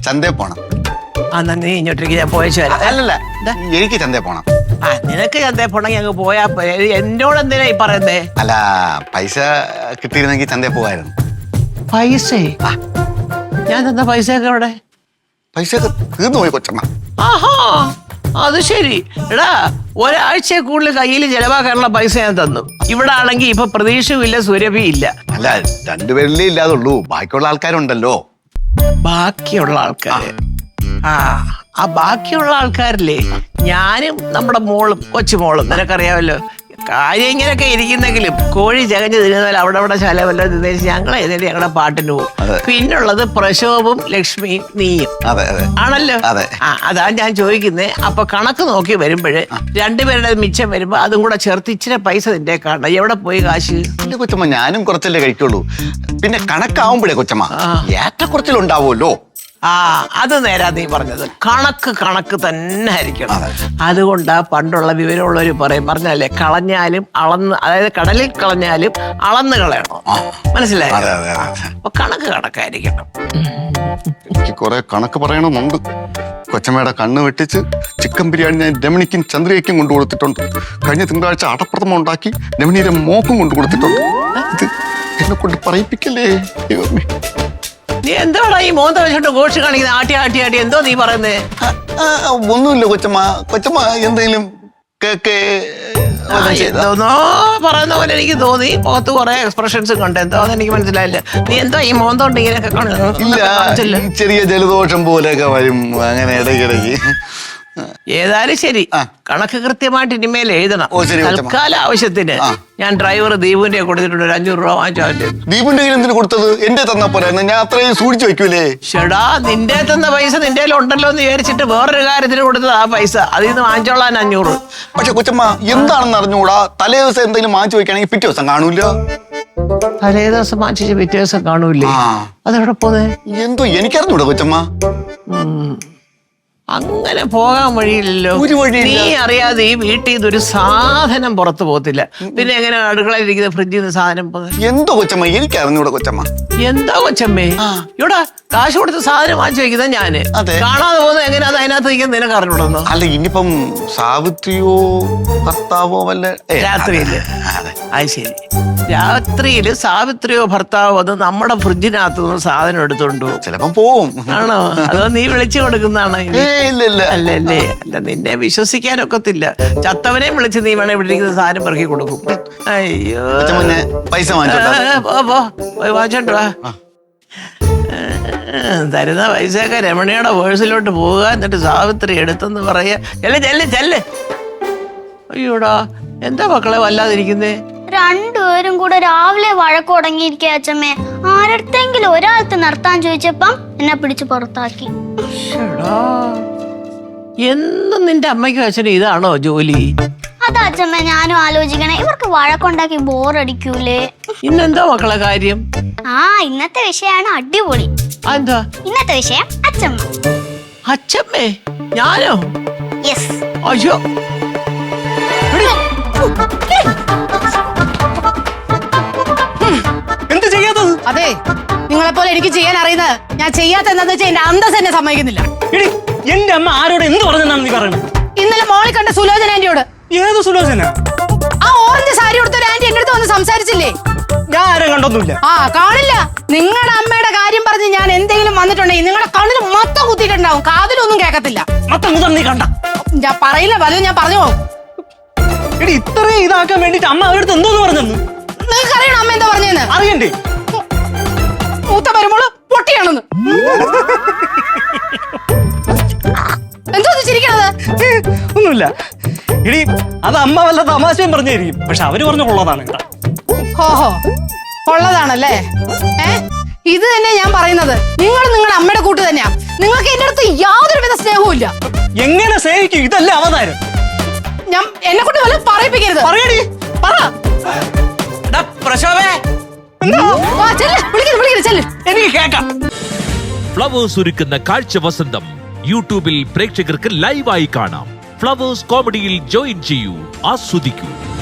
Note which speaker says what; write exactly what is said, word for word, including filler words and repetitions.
Speaker 1: ചന്തയിൽ പോണം.
Speaker 2: ആ നീ ഇങ്ങോട്ടേക്ക് ഞാൻ പോയച്ചു വരാം.
Speaker 1: അല്ലല്ല, എനിക്ക് ചന്തയിൽ പോണം.
Speaker 2: ആ നിനക്ക് ചന്തയിൽ പോണെങ്കിൽ അങ്ങ് പോയാ എന്നോട് എന്തിനാ ഈ പറയുന്നേ?
Speaker 1: അല്ല, പൈസ കിട്ടിയിരുന്നെങ്കിൽ ചന്തയിൽ പോവായിരുന്നു.
Speaker 2: പൈസ? ഞാൻ തന്ന പൈസ ഒക്കെ അവിടെ?
Speaker 1: പൈസ ഒക്കെ തീർന്നു പോയി കൊച്ചമ്മ.
Speaker 2: ആഹാ, അത് ശരി. എടാ, ഒരാഴ്ച കൂടുതൽ കയ്യിൽ ചെലവാക്കാനുള്ള പൈസ ഞാൻ തന്നു. ഇവിടെ ആണെങ്കിൽ ഇപ്പൊ പ്രതീക്ഷയില്ല, സുരഭി ഇല്ല.
Speaker 1: അല്ല, രണ്ടുപേരിലേ ഇല്ലാതുള്ളൂ, ബാക്കിയുള്ള ആൾക്കാരുണ്ടല്ലോ.
Speaker 2: ബാക്കിയുള്ള ആൾക്കാര്? ആ ആ ബാക്കിയുള്ള ആൾക്കാരില്ലേ, ഞാനും നമ്മുടെ മോളും കൊച്ചുമോളും നിനക്കറിയാമല്ലോ. കാര്യം ഇങ്ങനെയൊക്കെ ഇരിക്കുന്നെങ്കിലും കോഴി ചകഞ്ഞ് തിരുന്നാൽ അവിടെ അവിടെ ശലമല്ലോ തിന്നേച്ച് ഞങ്ങൾ ഏതായാലും ഞങ്ങളുടെ പാട്ടിന് പോകും. പിന്നുള്ളത് പ്രശോഭും ലക്ഷ്മിയും നീയും ആണല്ലോ. ആ അതാ ഞാൻ ചോദിക്കുന്നേ. അപ്പൊ കണക്ക് നോക്കി വരുമ്പോഴ് രണ്ടുപേരുടെ മിച്ചം വരുമ്പോ അതും കൂടെ ചേർത്ത് ഇച്ചിരി പൈസ നിന്റെ കാണണം. എവിടെ പോയി കാശ്?
Speaker 1: കൊച്ചമ്മ, ഞാനും കുറച്ചല്ലേ കഴിക്കുള്ളൂ. പിന്നെ കണക്കാവുമ്പോഴേ കൊച്ചമ്മ ഏറ്റക്കുറച്ചിലുണ്ടാവുമല്ലോ.
Speaker 2: ആ അത് നേരാ നീ പറഞ്ഞത്. കണക്ക് കണക്ക് തന്നെ ആയിരിക്കണം. അതുകൊണ്ടാ പണ്ടുള്ള വിവരമുള്ളവർ പറയും, പറഞ്ഞല്ലേ, കളഞ്ഞാലും അളന്ന്, അതായത് കടലിൽ കളഞ്ഞാലും അളന്ന് കളയണം. മനസ്സിലായോ? അപ്പൊ കണക്ക് കണക്കായിരിക്കണം.
Speaker 1: എനിക്ക് കുറെ കണക്ക് പറയണമെന്നുണ്ട്. കൊച്ചമ്മയുടെ കണ്ണ് വെട്ടിച്ച് ചിക്കൻ ബിരിയാണി ഞാൻ രമണിക്കും ചന്ദ്രയ്ക്കും കൊണ്ടു കൊടുത്തിട്ടുണ്ട്. കഴിഞ്ഞ തിങ്കളാഴ്ച അടപ്രഥമം ഉണ്ടാക്കി രമണിയുടെ മോക്കും കൊണ്ടു കൊടുത്തിട്ടുണ്ട്. ഇത് എന്നെ കൊണ്ട് പറയിപ്പിക്കല്ലേ.
Speaker 2: നീ എന്തോടാ ഈ മോന്ത വെച്ചോണ്ട് ഘോഷ് കാണിക്കുന്ന? ആട്ടി ആട്ടി ആട്ടി എന്തോ നീ പറയുന്നേ?
Speaker 1: ഒന്നുമില്ല കൊച്ചമ്മ. കൊച്ചമ്മ എന്തെങ്കിലും കേക്ക്
Speaker 2: എന്തോന്നോ പറയുന്ന പോലെ എനിക്ക് തോന്നി. മുഖത്ത് കുറെ എക്സ്പ്രഷൻസ് കണ്ട്. എന്തോന്ന് എനിക്ക് മനസ്സിലായില്ല. നീ എന്തോ ഈ മോന്തോണ്ട് ഇങ്ങനെയൊക്കെ
Speaker 1: കാണുന്നില്ല? ചെറിയ ജലദോഷം പോലെയൊക്കെ വരും അങ്ങനെ ഇടയ്ക്കിടയ്ക്ക്.
Speaker 2: ഏതായാലും ശരി, കണക്ക് കൃത്യമായിട്ട് ഇനിമേൽ എഴുതണം. തൽക്കാല ആവശ്യത്തിന് ഞാൻ ഡ്രൈവർ ദീപുവിന്റെ കൊടുത്തിട്ടുണ്ട്. ഒരു അഞ്ഞൂറ് രൂപ വാങ്ങിച്ചു.
Speaker 1: ദീപുന്റെ കയ്യിൽ എന്തിനു കൊടുത്തത്? എന്റെ തന്നാ പോരായിരുന്നു, ഞാൻ അത്രയും സൂക്ഷിച്ചു വെക്കൂലേ.
Speaker 2: ഷെടാ, നിന്റെ തന്ന പൈസ നിന്റെ ഉണ്ടല്ലോ എന്ന് വിചാരിച്ചിട്ട് വേറൊരു കാര്യത്തിന് കൊടുത്തത് ആ പൈസ. അതിൽ നിന്ന് വാങ്ങിച്ചോളാൻ അഞ്ഞൂറ്.
Speaker 1: പക്ഷെ കൊച്ചമ്മ എന്താണെന്ന് അറിഞ്ഞുകൂടാ. തലേ ദിവസം എന്തെങ്കിലും വാങ്ങിച്ചു വെക്കുകയാണെങ്കിൽ പിറ്റേ ദിവസം കാണൂല.
Speaker 2: തലേ ദിവസം വാങ്ങിച്ചു പിറ്റേ ദിവസം കാണൂലേ? അതെവിടെ പോന്നെ?
Speaker 1: എന്തോ എനിക്കറിഞ്ഞൂടാ കൊച്ചമ്മ.
Speaker 2: അങ്ങനെ പോകാൻ വഴിയില്ലല്ലോ. നീ അറിയാതെ ഈ വീട്ടിൽ നിന്ന് ഒരു സാധനം പുറത്തു പോകത്തില്ല. പിന്നെ എങ്ങനെ അടുക്കളയിലിരിക്കുന്ന ഫ്രിഡ്ജിൽ നിന്ന് സാധനം പോകുന്നത്?
Speaker 1: എന്തോ കൊച്ചമ്മ, എനിക്ക് അറിഞ്ഞൂടാ കൊച്ചമ്മ.
Speaker 2: എന്താ കൊച്ചമ്മേ? ഇവിടെ കാശ് കൊടുത്ത് സാധനം വാങ്ങിച്ചു വെക്കുന്നത് ഞാന്. കാണാതെ പോകുന്നത് എങ്ങനെ? അത് അതിനകത്ത് നിൽക്കുന്നത് നിനക്ക് അറിഞ്ഞൂടന്നോ?
Speaker 1: അല്ല, ഇനിയിപ്പം സാവിത്രിയോ ഭർത്താവോ വല്ല
Speaker 2: രാത്രിയില്? അത് ശരി, രാത്രിയില് സാവിത്രിയോ ഭർത്താവോ അത് നമ്മുടെ ഫ്രിഡ്ജിനകത്ത് നിന്ന് സാധനം എടുത്തോണ്ടോ?
Speaker 1: ചിലപ്പം പോവും.
Speaker 2: ആണോ? അതോ നീ വിളിച്ചു കൊടുക്കുന്നതാണോ? അല്ലല്ലേ, അല്ല, നിന്നെ വിശ്വസിക്കാനൊക്കത്തില്ല. ചത്തവനെയും വിളിച്ച് നീ വേണേ ഇവിടെ ഇരിക്കുന്ന സാധനം പെറുക്കി കൊടുക്കും. അയ്യോ,
Speaker 1: പൈസ
Speaker 2: വാങ്ങിച്ചോണ്ട് വാ. തരുന്ന പൈസയൊക്കെ രമണിയുടെ പേഴ്സിലോട്ട് പോവുക, എന്നിട്ട് സാവിത്രി എടുത്തെന്ന് പറയാ. ചെല്ല് ചെല്ല് ചെല്ല്. അയ്യോടാ, എന്താ മക്കളെ വല്ലാതിരിക്കുന്നേ?
Speaker 3: രണ്ടുപേരും കൂടെ രാവിലെ വഴക്ക് തുടങ്ങിയിരിക്കുക അച്ഛമ്മേ. ആരടുത്തെങ്കിലും ഒരാൾക്ക് നിർത്താൻ ചോദിച്ചപ്പം എന്നെ പിടിച്ച് പുറത്താക്കി.
Speaker 2: എന്നും നിന്റെ അമ്മയ്ക്കും അച്ഛനും ഇതാണോ ജോലി?
Speaker 3: അതാ അച്ഛമ്മ ഞാനും ആലോചിക്കണേ. ഇവർക്ക് വഴക്കുണ്ടാക്കി ബോറടിക്കൂലേ?
Speaker 2: ഇന്നെന്താ മക്കളെ കാര്യം?
Speaker 3: ആ ഇന്നത്തെ വിഷയമാണ് അടിപൊളി.
Speaker 2: എന്താ
Speaker 3: ഇന്നത്തെ വിഷയം? അച്ഛമ്മ.
Speaker 2: അച്ഛമ്മേ? ഞാനോ?
Speaker 3: യെസ്.
Speaker 2: അയ്യോ,
Speaker 4: എന്ത് ചെയ്യാത്തത്?
Speaker 5: അതെ, നിങ്ങളെ പോലെ എനിക്ക് ചെയ്യാൻ അറിയുന്നത്. ഞാൻ ചെയ്യാത്ത എന്താന്ന് വെച്ചാൽ എന്റെ അന്തസ് എന്നെ സമ്മതിക്കുന്നില്ല.
Speaker 4: എന്റെ അമ്മ ആരോട് എന്ത് പറഞ്ഞെന്നാണ് നീ പറയുന്നത്?
Speaker 5: ഇന്നലെ മോളിൽ കണ്ട സുലോചന ആന്റിയോട്.
Speaker 4: ഏത് സുലോചന?
Speaker 5: ആ ഓറഞ്ച് സാരി കൊടുത്ത ഒരു ആന്റി എന്റെ അടുത്ത് വന്ന് സംസാരിച്ചില്ലേ?
Speaker 4: ഞാൻ ആരും കണ്ടൊന്നുമില്ല.
Speaker 5: ആ കാണില്ല. നിങ്ങളുടെ അമ്മയുടെ കാര്യം പറഞ്ഞ് ഞാൻ എന്തെങ്കിലും വന്നിട്ടുണ്ടെങ്കിൽ നിങ്ങളുടെ കണ്ണിന് മൊത്തം കുത്തിയിട്ടുണ്ടാവും, കാതിലൊന്നും കേൾക്കത്തില്ല.
Speaker 4: മൊത്തം കുത്തം നീ കണ്ട?
Speaker 5: ഞാൻ പറയില്ല, പലതും ഞാൻ പറഞ്ഞു പോകും.
Speaker 4: എടി, ഇത്രയും ഇതാക്കാൻ വേണ്ടിട്ട് അമ്മ അവരടുത്ത് എന്തോന്ന് പറഞ്ഞെന്ന്
Speaker 5: നിങ്ങൾക്ക് അറിയണം അമ്മ എന്താ പറഞ്ഞെന്ന്?
Speaker 4: അറിയണ്ടേ?
Speaker 5: മൂത്ത വരുമ്പോള് പൊട്ടിയാണെന്ന്. എന്തോ ചിരിക്കണത്?
Speaker 4: ഒന്നുമില്ല. എടി, അത് അമ്മ വല്ല തമാശയും പറഞ്ഞായിരിക്കും. പക്ഷെ അവര് പറഞ്ഞു കൊള്ളതാണ്.
Speaker 5: ഓഹോ, കൊള്ളതാണല്ലേ? ഏ ഇത് തന്നെ ഞാൻ പറയുന്നത്. നിങ്ങൾ നിങ്ങളുടെ അമ്മയുടെ കൂട്ട് തന്നെയാ. നിങ്ങൾക്ക് എന്റെ അടുത്ത് യാതൊരു വിധ സ്നേഹവും ഇല്ല.
Speaker 4: എങ്ങനെ സ്നേഹിക്കും? ഇതല്ല അവതാരം.
Speaker 5: ഞാൻ എന്നെ കൊണ്ട് വല്ല പറയിപ്പിക്കരുത്.
Speaker 4: പറയടി, പറ.
Speaker 2: പ്രശോഭേ,
Speaker 4: എനിക്ക് കേക്കാം.
Speaker 6: ഫ്ലവേഴ്സ് ഒരുക്കുന്ന കാഴ്ച വസന്തം യൂട്യൂബിൽ പ്രേക്ഷകർക്ക് ലൈവായി കാണാം. ഫ്ലവേഴ്സ് കോമഡിയിൽ ജോയിൻ ചെയ്യൂ, ആസ്വദിക്കൂ.